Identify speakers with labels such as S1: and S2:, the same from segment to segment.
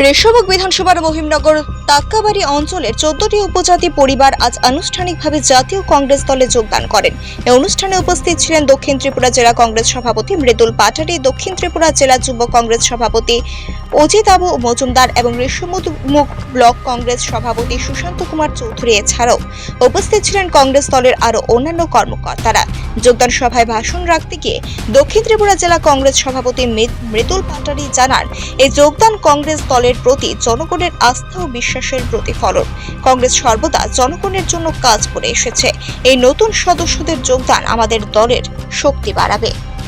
S1: রেশমুখ বিধানসভার মহিমনগর তাক্কাবাড়ি অঞ্চলের 14টি উপজাতি পরিবার আজ আনুষ্ঠানিকভাবে জাতীয় কংগ্রেস দলে যোগদান করেন। এই অনুষ্ঠানে উপস্থিত ছিলেন দক্ষিণ ত্রিপুরা জেলা কংগ্রেস সভাপতি মৃদুল পাটারি, দক্ষিণ ত্রিপুরা জেলা যুব কংগ্রেস সভাপতি অজিত আবু মজুমদার এবং রেশমুখ ব্লক কংগ্রেস সভাপতি সুশান্ত কুমার চৌধুরী। এছাড়াও উপস্থিত ছিলেন কংগ্রেস দলের আরও অন্যান্য কর্মকর্তারা। যোগদান সভায় ভাষণ রাখতে গিয়ে দক্ষিণ ত্রিপুরা জেলা কংগ্রেস সভাপতি মৃদুল পাটারি জানান, এই যোগদান কংগ্রেস দলের প্রতি জনগণের আস্থা ও বিশ্বাসের প্রতিফলন। কংগ্রেস সর্বদা জনগণের জন্য কাজ করে এসেছে। এই নতুন সদস্যদের যোগদান আমাদের দলের শক্তি বাড়াবে।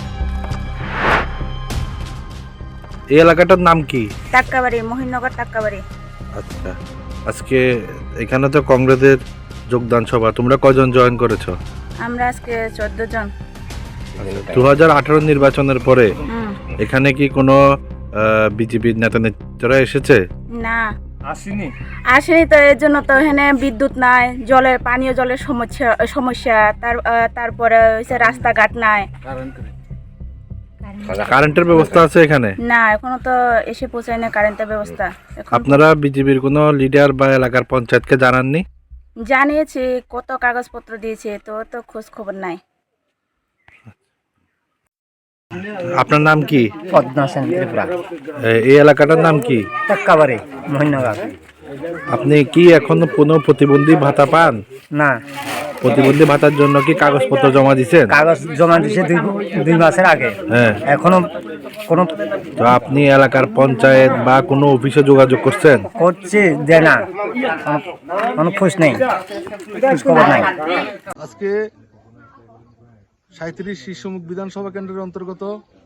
S2: এই এলাকাটার নাম কি?
S3: তাক্কাবাড়ি, মহিমনগর তাক্কাবাড়ি।
S2: আচ্ছা, আজকে এখানে তো কংগ্রেসের যোগদান সভা, তোমরা কজন জয়েন করেছো?
S3: আমরা আজকে 14 জন।
S2: 2018 নির্বাচনের পরে এখানে কি কোনো বিজেপির নেতা নেত্রীরা এসেছে?
S3: না, আসেনি তো। এর জন্য তো এখানে বিদ্যুৎ নাই, জলের পানীয় জলের সমস্যা, তারপরে হচ্ছে রাস্তাঘাট নাই।
S2: কারেন্টের ব্যবস্থা আছে এখানে?
S3: না, এখনো তো এসে পৌঁছায় না কারেন্টের ব্যবস্থা।
S2: আপনারা বিজেপির কোনো লিডার বা এলাকার পঞ্চায়েতকে জানাননি?
S3: জানিয়েছি, কত কাগজপত্র দিয়েছে, তো খোঁজ খবর নাই।
S2: আপনার নাম কি?
S4: পদ্মা সেন ত্রিপুরা।
S2: এই এলাকাটার নাম কি?
S4: তাক্কাবাড়ি, মহিমনগর।
S2: আপনি কি এখনো কোনো প্রতিবন্ধী ভাতা পান?
S4: না,
S2: প্রতিবন্ধী ভাতার জন্য কি কাগজপত্র জমা দিয়েছেন?
S4: কাগজ জমা দিয়েছে দুই মাসের আগে।
S2: হ্যাঁ,
S4: এখনো কোনো
S2: তো আপনি এলাকার পঞ্চায়েত বা কোনো অফিসে যোগাযোগ করছেন?
S4: করছে, দেয় না, কোনো খোঁজ নেই, খোঁজ খবর নাই।
S5: আজকে 37 শিশুমুখ বিধানসভা কেন্দ্রের অন্তর্গত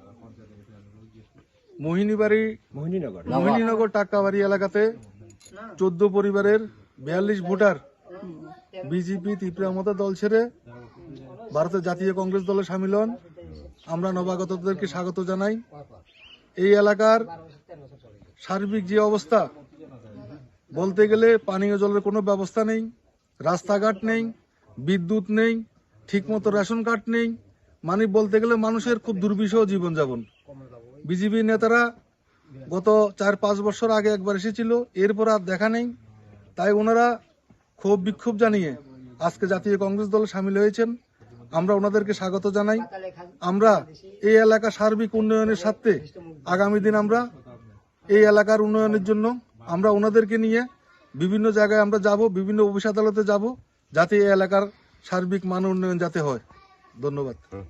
S5: মোহিনীনগর টাক্কাবাড়ি এলাকাতে 14 পরিবারের 42 ভোটার বিজেপি ত্রিপুরা মমতা দল ছেড়ে ভারতের জাতীয় কংগ্রেস দলে সামিল হন। আমরা নবাগতদেরকে স্বাগত জানাই। এই এলাকার সার্বিক যে অবস্থা, বলতে গেলে পানীয় জলের কোনো ব্যবস্থা নেই, রাস্তাঘাট নেই, বিদ্যুৎ নেই, ঠিকমতো রেশন কার্ড নেই, মানে বলতে গেলে মানুষের খুব দুর্বিষহ জীবনযাপন। বিজেপি নেতারা গত 4-5 বছর আগে একবার এসেছিল, এরপর আর দেখা নেই। তাই ওনারা ক্ষোভ বিক্ষোভ জানিয়ে আজকে জাতীয় কংগ্রেস দলে সামিল হয়েছেন। আমরা ওনাদেরকে স্বাগত জানাই। আমরা এই এলাকা সার্বিক উন্নয়নের স্বার্থে আগামী দিন আমরা এই এলাকার উন্নয়নের জন্য আমরা ওনাদেরকে নিয়ে বিভিন্ন জায়গায় আমরা যাব, বিভিন্ন অফিস আদালতে যাব, যাতে এই এলাকার সার্বিক মান উন্নয়ন যাতে হয়। ধন্যবাদ।